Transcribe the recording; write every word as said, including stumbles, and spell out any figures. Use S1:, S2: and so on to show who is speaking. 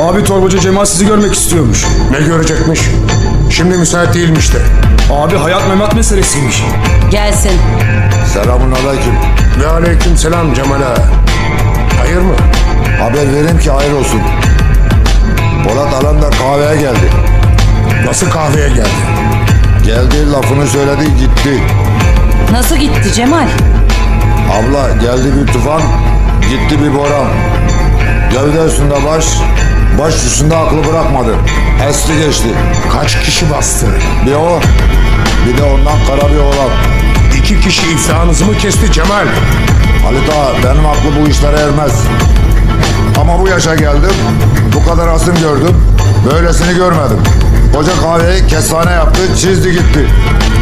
S1: Abi torbacı Cemal sizi görmek istiyormuş.
S2: Ne görecekmiş? Şimdi müsait değilmiş de.
S1: Abi hayat memat meselesiymiş.
S3: Gelsin.
S4: Selamun aleyküm.
S2: Ve aleyküm selam Cemal ağa. Hayır mı?
S4: Haber vereyim ki hayır olsun. Polat Alemdar kahveye geldi.
S2: Nasıl kahveye geldi?
S4: Geldi, lafını söyledi, gitti.
S3: Nasıl gitti Cemal?
S4: Abla, geldi bir tufan, gitti bir boran. Gövde üstünde baş, baş üstünde aklı bırakmadı. Esti geçti.
S2: Kaç kişi bastı?
S4: Bir o, bir de ondan kara bir oğlan.
S2: İki kişi iflahınızı mı kesti Cemal?
S4: Halit ağa, benim aklı bu işlere ermez. Ama bu yaşa geldim, bu kadar asım gördüm, böylesini görmedim. Koca kahveyi kestane yaptı, çizdi gitti.